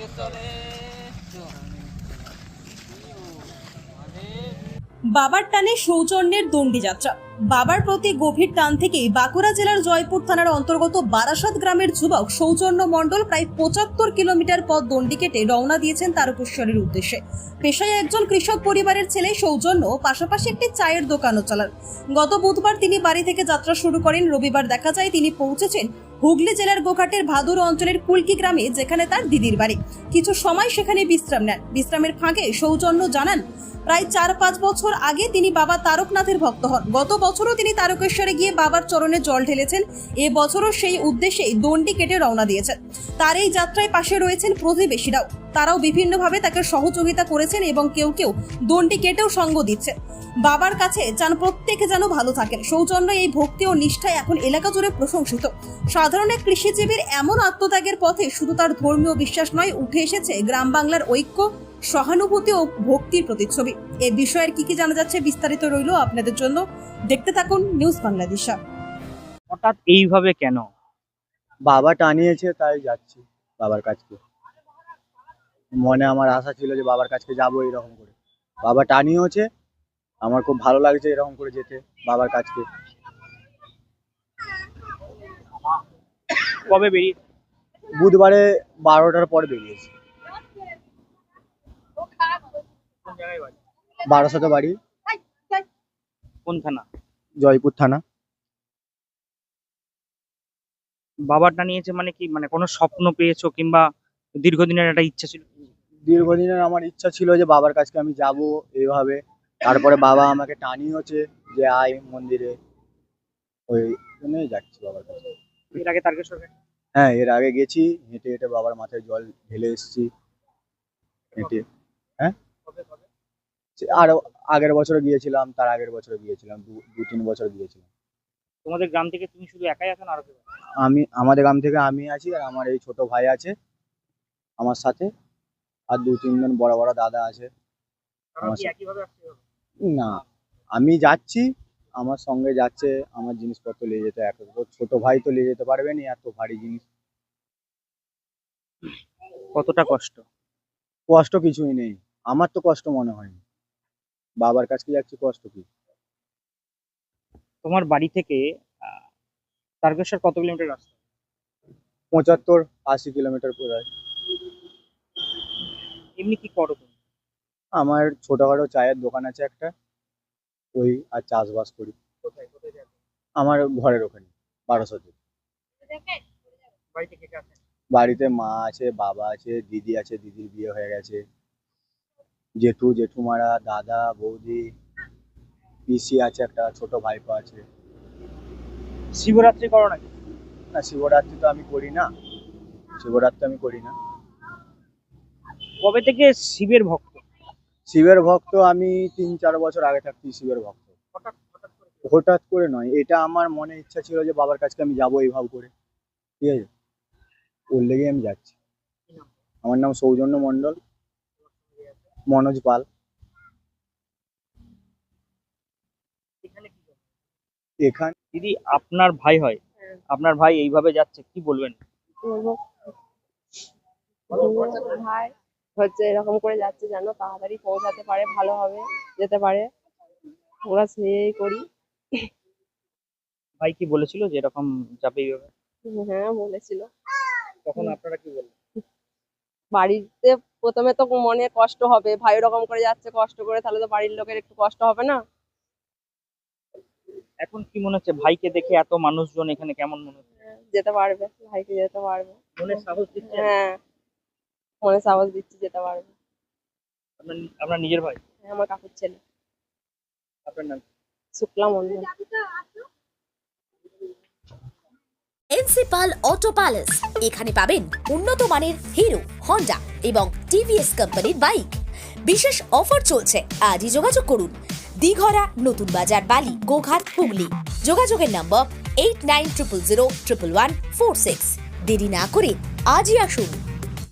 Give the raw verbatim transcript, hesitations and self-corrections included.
বাবার টানে সৌজন্যের দণ্ডি যাত্রা। বাবার প্রতি গভীর টান থেকেই বাঁকুড়া জেলার জয়পুর থানার অন্তর্গত বারাসাত গ্রামের যুবক সৌজন্য মণ্ডল প্রায় পঁচাত্তর কিলোমিটার পথ দণ্ডি কেটে রওনা দিয়েছেন তারকেশ্বরের উদ্দেশ্যে। পেশায় একজন কৃষক পরিবারের ছেলে সৌজন্য, পাশাপাশি একটি চায়ের দোকানও চালান। গত বুধবার তিনি বাড়ি থেকে যাত্রা শুরু করেন। রবিবার দেখা যায় তিনি পৌঁছেছেন হুগলি জেলার গোঘাটের ভাদুর অঞ্চলের কুলকি গ্রামে, যেখানে তার দিদির বাড়ি। কিছু সময় সেখানে বিশ্রাম নেন। বিশ্রামের ফাঁকে সৌজন্য জানান, প্রায় চার পাঁচ বছর আগে তিনি বাবা তারকনাথের ভক্ত হন। গত বছরও তিনি তারকেশ্বরে গিয়ে বাবার চরণে জল ঢেলেছেন। এ বছরও সেই উদ্দেশ্যেই দণ্ডি কেটে রওনা দিয়েছেন। তার এই যাত্রায় পাশে রয়েছেন প্রতিবেশীরাও। তারাও বিভিন্নভাবে তাকে সহযোগিতা করেছেন এবং কেউ কেউ দণ্ডি কেটেও সঙ্গ দিচ্ছে। বাবার কাছে চান প্রত্যেকে যেন ভালো থাকেন। সৌজন্য এই ভক্তি ও নিষ্ঠায় এখন এলাকা জুড়ে প্রশংসিত। সাধারণ এক কৃষিজীবীর এমন আত্মত্যাগের পথে শুধু তার ধর্মীয় বিশ্বাস নয়, উঠে এসেছে গ্রাম বাংলার ঐক্য, সহানুভূতি ও ভক্তির প্রতিচ্ছবি। এই বিষয়ের কি কি জানা যাচ্ছে বিস্তারিত রইল আপনাদের জন্য। দেখতে থাকুন নিউজ বাংলাদেশ। হঠাৎ এইভাবে কেন? বাবা টানিয়েছে তাই যাচ্ছি বাবার কাছকে। মনে আমার আশা ছিল যে বাবার কাছকে যাবো এরকম করে। বাবা টানিয়েছে, আমার খুব ভালো লাগছে এরকম করে যেতে বাবার কাছকে। কবে বেরিয়ে? বুধবারে বারোটার পর বেরিয়েছি। কোন জায়গায় বাড়ি? বারাসাতে বাড়ি। কোন থানা? জয়পুর থানা। বাবাটা নিয়েছে মানে কি, মানে কোনো স্বপ্ন পেয়েছো কিংবা দীর্ঘদিনের একটা ইচ্ছা ছিল? দীর্ঘদিনের আমার ইচ্ছা ছিল যে বাবার কাছকে আমি যাব এইভাবে। তারপরে বাবা আমাকে টানিয়েছে যে আয় মন্দিরে, ওই জন্যই যাচ্ছি বাবার কাছে। এর আগে তারকেশ্বর গেছো? হ্যাঁ, এর আগে গেছি, হেঁটে হেঁটে বাবার মাথায় জল ঢেলে এসেছি হেঁটে। হ্যাঁ, কবে কবে? আর আগের বছর গিয়েছিলাম, তার আগের বছর গিয়েছিলাম, দু দু তিন বছর গিয়েছিলাম। তোমাদের গ্রাম থেকে তুমি শুধু একাই আছো না আরো কেউ? আমি আমাদের গ্রাম থেকে আমি আছি, আর আমার এই ছোট ভাই আছে আমার সাথে, আর দু তিনজন বড় বড় দাদা আছে তারা আমার কি সাথে। একই ভাবে আসছে? না, আমি যাচ্ছি, আমার সঙ্গে যাচ্ছে, আমার জিনিসপত্র নিয়ে যেতে। এক ছোট ভাই তো নিয়ে যেতে পারবে না এত ভারী জিনিস। কতটা কষ্ট? কষ্ট কিছুই নেই, আমার তো কষ্ট মনে হয়নি। বাবার কাছে যাচ্ছি, কষ্ট কি? তোমার বাড়ি থেকে আহ, তারকেশ্বর কত কিলোমিটার রাস্তা? পঁচাত্তর আশি কিলোমিটার প্রায়। এমনি কি করো তুমি? আমার ছোটখাটো চায়ের দোকান আছে একটা, ওই আর চাষবাস করি। কোথায় কোথায় যাবে? আমার ঘরের ওখানে বারাসাতে। বাড়ি থেকে কে আসে? বাড়িতে মা আছে, বাবা আছে, দিদি আছে, দিদির বিয়ে হয়ে গেছে, জেঠু জেঠুমারা, দাদা বৌদি, পিসি আছে, একটা ছোট ভাইপো আছে। শিবরাত্রি করো নাকি? না, শিবরাত্রি তো আমি করি না, শিবরাত্রি আমি করি না। কবে থেকে শিবের ভক্ত? শিবের ভক্ত আমি তিন চার বছর আগে থাকছি শিবের ভক্ত। হঠাৎ হঠাৎ করে? হঠাৎ করে নয়, এটা আমার মনে ইচ্ছা ছিল যে বাবার কাছে আমি যাবো এইভাবে করে, ঠিক আছে, ওর লেগে আমি যাচ্ছি। কি নাম? আমার নাম সৌজন্য মণ্ডল, মনোজ পাল। এখানে কি করো? এখানে দিদি, আপনার ভাই হয়, আপনার ভাই এইভাবে যাচ্ছে, কি বলবেন? বলবো ভাই হচ্ছে এরকম করে যাচ্ছে যেন তাড়াতাড়ি পৌঁছাতে পারে, ভালোভাবে যেতে পারে, আমরা সেই করি। ভাই কি বলেছিল যে এরকম যাবে এইভাবে? হ্যাঁ বলেছিল। তখন আপনারা কি বললেন? বাড়িতে প্রথমে তো মনে কষ্ট হবে, ভাই ওরকম করে যাচ্ছে কষ্ট করে, তাহলে তো বাড়ির লোকের একটু কষ্ট হবে না? এখন কি মনে হচ্ছে ভাইকে দেখে এত মানুষজন এখানে, কেমন মনে হচ্ছে? যেতে পারবে, ভাইকে যেতে পারবে। মনে সাহস দিচ্ছে? হ্যাঁ, মনে সাহস দিচ্ছি, যেতে পারবে। আপনার আপনার নিজের ভাই? হ্যাঁ, আমার কাকুর ছেলে। আপনার নাম? Shukla Mondal. Principal auto palace, এখানে পাবেন উন্নত মানের হিরো, হন্ডা এবং টিভিএস কোম্পানির বাইক। বিশেষ অফার চলছে, আজই যোগাযোগ করুন। দিঘরা, নতুন বাজার, বালি, গোঘাট, হুগলি। যোগাযোগের number eight nine triple zero triple one four six. দেরি না করে আজই আসুন।